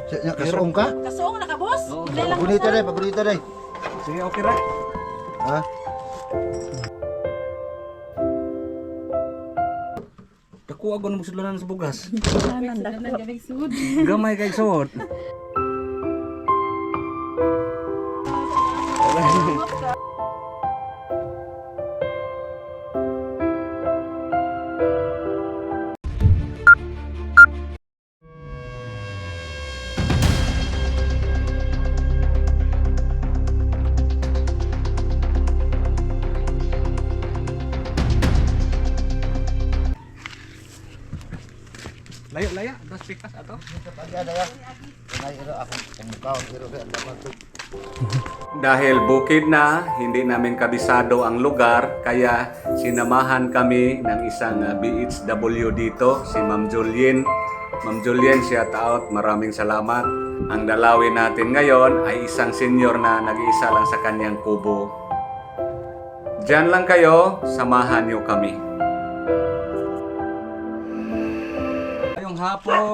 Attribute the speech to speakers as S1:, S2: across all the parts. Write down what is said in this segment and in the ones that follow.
S1: Nya kasuong ka?
S2: Kasuong na ka, boss?
S3: Oo.
S2: Hindi lang
S1: Pagunita
S2: boss,
S1: day, pagunita day.
S3: Sige, okay ra.
S1: Ha?
S3: Kakuha ko ng sudlanan sa bugas.
S2: sud.
S3: Gamay kay suot. Layo, das pikas ato. Dahil bukid na, hindi namin kabisado ang lugar, kaya sinamahan kami ng isang BHW dito, si Ma'am Julien. Ma'am Julien, shout out, maraming salamat. Ang dalawin natin ngayon ay isang senior na nag-iisa lang sa kanyang kubo. Diyan lang kayo, samahan niyo kami. Ngayong hapon.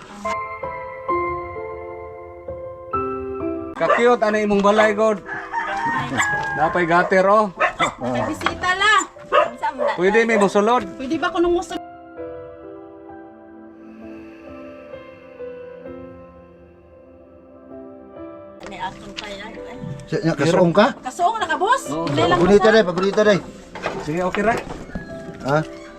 S3: Kakiyot, ano imong balay, God? Napay gater, oh.
S2: May bisita la.
S3: Pwede may musulod.
S2: Pwede ba ko nung gusto? Ni akong kaya.
S1: Nya kasuong ka?
S2: Kasuong na ka, boss?
S3: Oo.
S2: Hindi lang
S1: Pagunita
S2: boss.
S1: day, pagunita day.
S3: Sige, okay ra.
S1: Ha?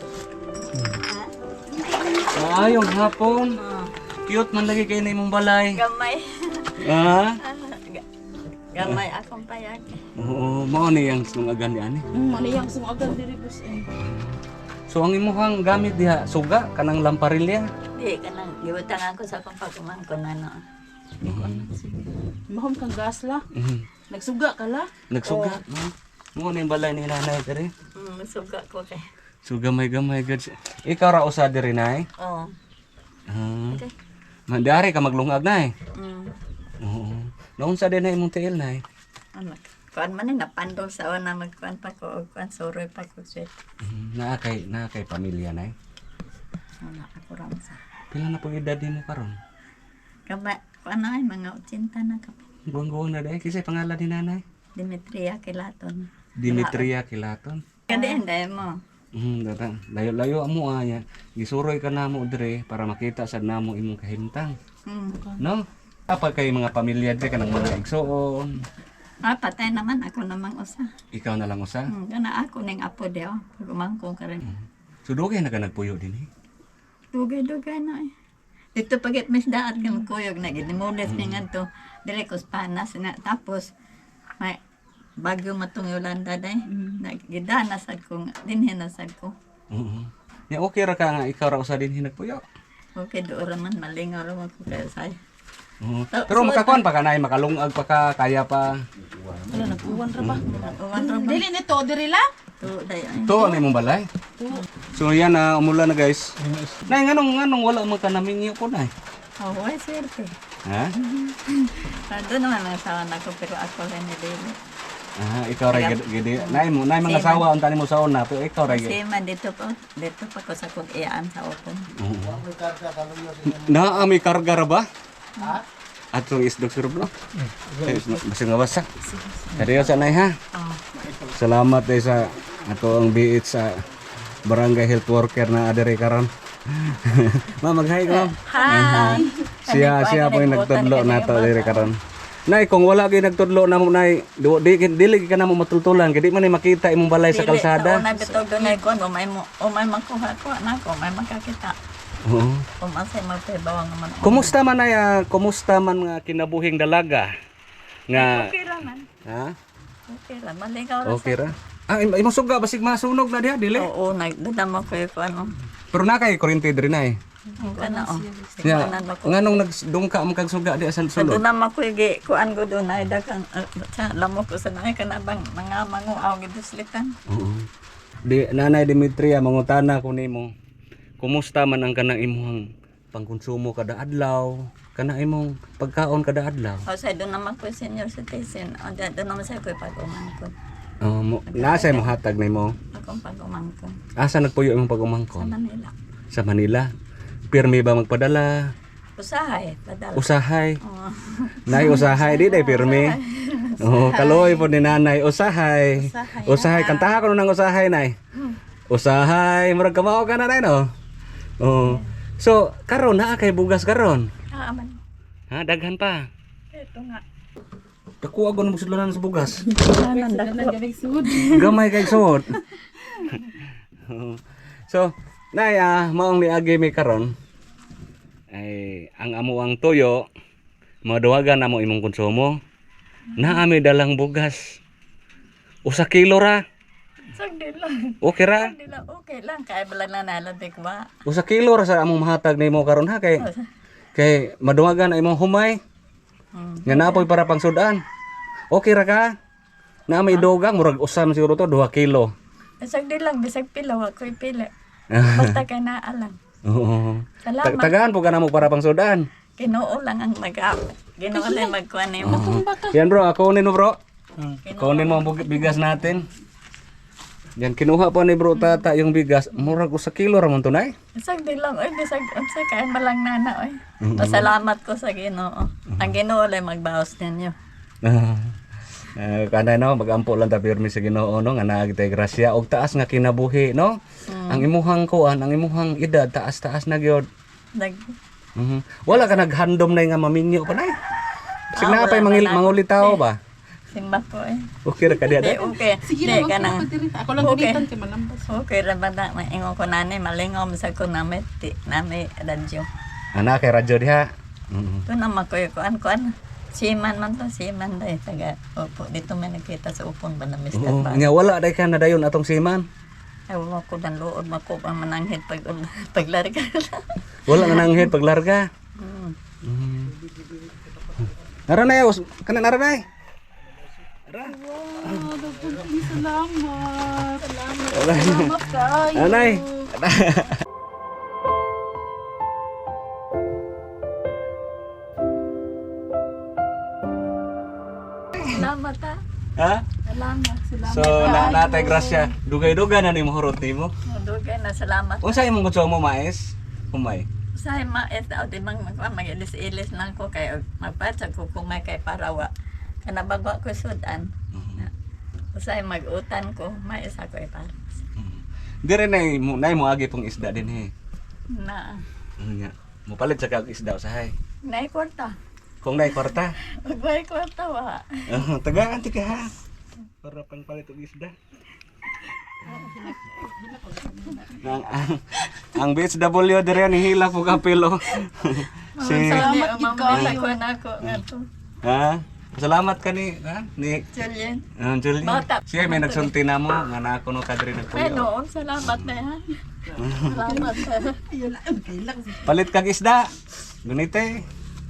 S3: Yung hapon. Cute man lagi kayo na imong balay.
S2: Gamay.
S3: Ha?
S2: Gamay akong payag.
S3: Oo, mao ni ang sungagan ni ani.
S2: Ano yung sumagal diri, boss?
S3: So ang imuhang gamit diha, suga kanang lamparilya.
S4: Di ka nang giwatang ako sa akong pagkumangkon ano.
S2: Mahom kang gas la.
S3: Mhm.
S2: Nagsuga ka la.
S3: Nagsuga. Mo ni balay ni nanay diri.
S4: Suga ko kay.
S3: So gamay-gamay gud. Ikaw ra usa diri nay.
S4: Oo.
S3: Ah. Mandari ka maglungag nay. Oo. Naun sa din na imong tiil nay.
S4: Ano? Kuan man ni napandong sa una magkuan pa ko og kuan suroy pa ko sweet.
S3: Naa kay pamilya nay.
S4: Wala ako ram sa.
S3: Pila na pong edad nimo karon?
S4: Kama kuan ay mga 80 na ka.
S3: Guwang-guwang na dahil. Kisay pangalan ni nanay?
S4: Dimitria Kilaton.
S3: Dimitria Kilaton.
S4: Kadi anday mo.
S3: Datang. Layo-layo mo aya. Gisuroy ka namo dire para makita sad namo imong kahimtang. No? Apa kay mga pamilya dire kanang mga igsoon.
S4: Patay naman ako namang usa.
S3: Ikaw na lang usa.
S4: Kana ako ning apo dio. Pagumangkon ka rin.
S3: So dugay na ka nagpuyo dinhi.
S4: Dugay-dugay na eh. Dito pagit mas daat kang kuyog na ginimulis ni nga to. Dire ko panas na tapos may bagyo matong Yolanda day. Nagidana sad ko dinhi na sad ko.
S3: Oo. Ya okay ra ka nga ikaw ra usa dinhi nagpuyo.
S4: Okay do ra man malingaw ra man ko kay say.
S3: Oo. Pero makakuan pa ka nay, makalungag pa ka, kaya pa.
S2: Wala nagkuwan ra ba?
S4: Uwan ra man
S2: Dili nito diri la.
S4: to day ay.
S3: To ano imong balay? So yan na umulan na guys. Nay nganong wala man ka namingi ko nay.
S4: Oh, way swerte.
S3: Ha?
S4: Doon naman ang sawa na ko pero ako rin ni Dili.
S3: Ah, ikaw ra gid. Nay mga sawa unta nimo sa una, pero ikaw ra gid.
S4: Kasi man dito pa ko sa kong iyaan sa opon.
S3: Na may karga ra ba? Ha? Ato isdog sur blo. Basta nga basa. Kadiyo sa nay ha. Salamat day sa ato ang BH sa Barangay Health Worker na adere karon. Ma'am, mag-hi ka, ma'am.
S4: Hi.
S3: Siya po yung nagtudlo nato dire karon. Nay, kung wala gyud nagtudlo namo nay, dili ka namo matultulan, kay di man makita imong balay sa kalsada.
S4: Sa una bitog doon ay kuan, umay makuha ko na ko, may makakita.
S3: Oo.
S4: Umasay magpebawang naman.
S3: Kumusta man ay kumusta man nga kinabuhing dalaga? Nga
S4: Okay ra man.
S3: ha?
S4: Okay ra, maligaw ra.
S3: Okay ra. Ah, imong suga basig masunog na diha dili.
S4: Oo, nagdadama ko yung ano.
S3: Pero na kay kuryente diri nay.
S4: Ang kana o.
S3: Nya, nganong nagdungka man kag suga di asan sulod.
S4: Doon naman ko yung kuan ko doon ay dagang sa lamo ko sa nai kanabang mga manguaw giduslitan.
S3: Oo. Di Nanay Dimitria mangutana ko nimo. Kumusta man ang kanang imong pangkonsumo kada adlaw? Kana imong pagkaon kada adlaw?
S4: O sa doon naman ko senior citizen. O doon naman sa ko pag-umangkon.
S3: Nasa mo hatag nimo?
S4: Akong pag-umangkon.
S3: Asa nagpuyo imong
S4: Sa
S3: pag-umangkon?
S4: Manila.
S3: Sa Manila. Pirmi ba magpadala?
S4: Usahay, padala.
S3: Usahay.
S4: Oo.
S3: Nay usahay di day pirmi. Oh, kaloy po ni nanay usahay. Usahay kantaha ko nang usahay nay. Usahay, murag kamao ka na nay no. Oh. So, karon na kay bugas karon.
S4: Aman.
S3: Ha, daghan pa.
S4: Ito nga.
S3: Dako agon mo sudlanan sa bugas.
S4: Anan dako.
S3: Gamay kay suot. So, nay maong niagi mi karon ay ang amuang tuyo maduwagan na mo imong konsumo. Naami dalang bugas. Usa kilo ra.
S4: Sagdi lang.
S3: Okay ra?
S4: Sagdi lang. Okay lang. Kaya bala na naladik ba?
S3: Usa kilo ra sa among mahatag nimo karon ha kay maduwagan na imong humay. Nga napoy para pang sudan. Okay ra ka? Na may dugang murag usam siguro to 2 kilo.
S4: Sagdi lang. Bisag pila. Wa ko'y pila. Basta kay naalang.
S3: Oo.
S4: Salamat.
S3: Tagaan po ka na mo para pang sudan.
S4: Ginoo lang ang Ginoo lang magkuha nimo.
S3: Yan bro, kunin mo bro. Kunin mo ang bigas natin. Yan, kinuha pa ni bro tata yung bigas. Murag usa kilo ramon to nay.
S4: Sagdi lang. Oy, bisag unsa kay malang nana oy. Pasalamat ko sa Ginoo. Ang Ginoo lang magbaos ninyo.
S3: Kanay no, magampo lang ta pirmi sa Ginoo no nga naagi tay grasya og taas nga kinabuhi no. Ang imuhang kuan, ang imuhang edad taas-taas na gyud.
S4: Nag
S3: Wala ka naghandom na nga maminyo pa nay. Sig na pay mangulitaw ba?
S4: simba ko eh.
S3: Okay ra ka diha.
S4: Di okay.
S2: Sige
S4: Di
S2: na,
S4: ka nang.
S2: ako lang
S4: Okay.
S2: ulitan kay malambas.
S4: Okay ra ba na maingon ko nani malingom sa ko nami nami radyo.
S3: Ana kay radyo diha.
S4: To na makoy kuan. Siman man to, siman day taga. Opo, dito may nakita sa upon ba na Mr.
S3: Oo,
S4: Ba.
S3: nya wala day ka na dayon atong siman.
S4: Ay wala ko dan luod mako ang mananghit paglarga.
S3: Wala na nanghit paglarga. Nara na yos, kana nara na.
S2: Wow, daghang salamat. Salamat kayo.
S3: Anay.
S4: Salamat ha.
S3: Ha?
S4: Salamat.
S3: So natay grasya. Dugay-dugay na nimo hurot nimo.
S4: Dugay na salamat.
S3: Unsa imong gusto mo mais? Humay.
S4: Sa maes daw di mang mag-ilis-ilis lang ko kay magpatsa ko kumay kay parawa. Kana bago ko sudan. Usay mag-utan ko, mais ako para.
S3: Dire nay mo agi pong isda din he.
S4: Na.
S3: Nya. Mo palit sa kag isda usahay.
S4: Nay kwarta.
S3: Kung nay kwarta.
S4: Magbay kwarta wa.
S3: Tagaan ti ka ha. Para pang palit og isda. Ang BHW dire ni hila po kapilo.
S4: Salamat gid ko nako ngato.
S3: Ha? Salamat ka ni
S4: Julian.
S3: Julie.
S4: Bata.
S3: Siya may nagsulti na mo nga na ako no kadiri
S4: Ay
S3: nagpuyo.
S4: noon, salamat na ha. Salamat ha.
S3: Palit kag isda. Gunite.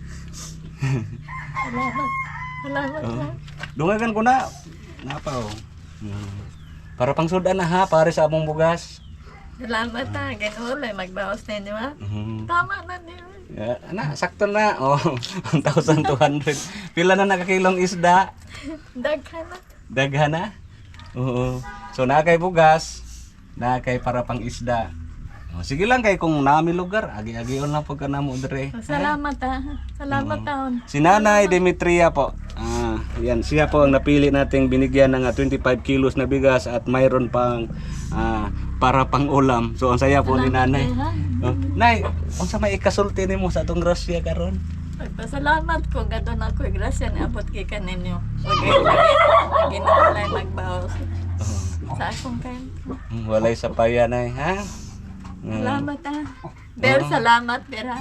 S4: Salamat. Salamat ha.
S3: Dungagan ko na. Napaw. Para pang sudan na ha, pare sa among bugas.
S4: Salamat ha. Ginoo lang magbawas ninyo ha. Tama na niyo.
S3: Ana, sakto na. Oh, 1,200. Pila na nakakilong isda?
S4: Daghan na.
S3: Daghan na? Oo. So na kay bugas, na kay para pang isda. Oh, sige lang kay kung nami lugar, agi-agion lang pagka namo dire.
S4: Salamat ha. Salamat taon.
S3: Si Nanay Demetria po. Yan, siya po ang napili nating binigyan ng 25 kilos na bigas at mayroon pang para pang ulam. So ang saya po ni Nanay. Oh, Nay, unsa may ikasulti nimo sa atong grasya karon?
S4: Pagpasalamat ko gadon ako grasya ni abot kay kaninyo. Ginoo lang magbawas. Sa akong kain.
S3: Walay sapaya Nay, ha?
S4: Salamat ha. Pero salamat pera.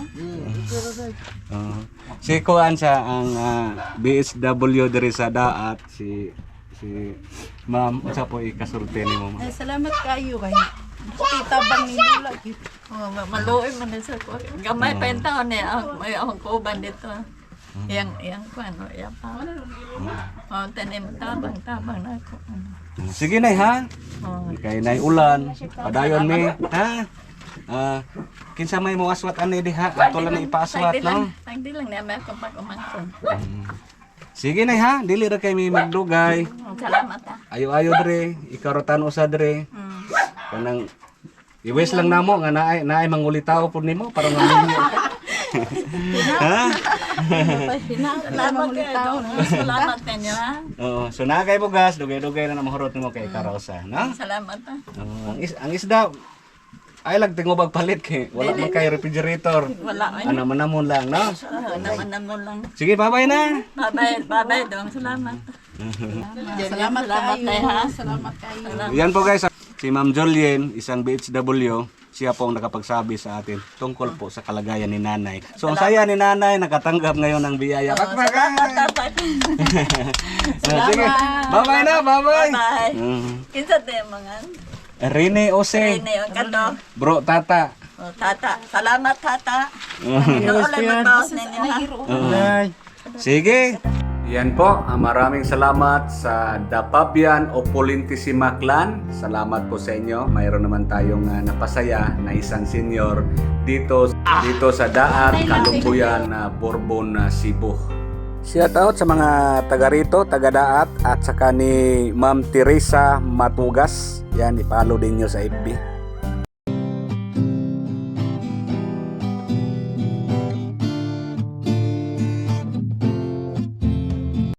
S3: Si Kuan sa ang BHW diri sa daat si Ma'am unsa po ikasulti nimo?
S2: Ay, salamat kayo kay kita bang ninyo lagi.
S4: Oh, maluoy man din sa ko. Gamay pa yung taon eh. May akong kuban dito. Yang ko ano, yang pa. Oh, tanim tabang na ako.
S3: Sige Nay ha.
S4: Oh,
S3: Kay Nay ulan, padayon mi, ha? Kinsa may mo aswat ani diha, ato lang na ipaaswat no.
S4: Tagdi lang niya may akong pag-umangkon.
S3: Sige Nay ha, dili ra kay mi magdugay.
S4: Salamat ha.
S3: Ayo-ayo dire, ikarotan usa dire. Kanang iwes lang namo nga naay mangulitaw pud nimo para maminyo ka. Ha?
S4: Salamat kayo. Salamat ninyo, ha?
S3: Oo, so na kay bugas, dugay-dugay na mahurot mo kay Karosa, no?
S4: Salamat, ha?
S3: Oo, ang isda ay lang tingubag palit kay wala man kay refrigerator.
S4: Wala, ay.
S3: Ano man namon lang, no?
S4: Naman lang.
S3: Sige, bye-bye na.
S4: Bye-bye, dong. Salamat.
S2: Salamat
S4: Salamat
S2: kayo.
S4: kayo, ha?
S2: Salamat kayo.
S3: Yan po guys, si Ma'am Julien, isang BHW, siya po ang nakapagsabi sa atin tungkol po sa kalagayan ni Nanay. So ang saya ni Nanay, nakatanggap ngayon ng biyaya.
S4: Salamat, tatay.
S3: Sige, bye-bye na, bye-bye.
S4: Bye.
S3: Mm.
S4: Kinsa tayo mga?
S3: Rene Ose,
S4: Rene, yung kanto.
S3: bro, tata.
S4: Oh, tata. Salamat, tata. Naulan magbawas ninyo, ha?
S3: Sige. Yan po, maraming salamat sa Dapabian Opulentissima Clan. Salamat po sa inyo. Mayroon naman tayong napasaya na isang senior dito sa Daat, Kalumbuyan, Bourbon, Cebu. Shout out sa mga taga rito, taga Daat at saka ni Ma'am Teresa Matugas. Yan, i-follow din nyo sa FB.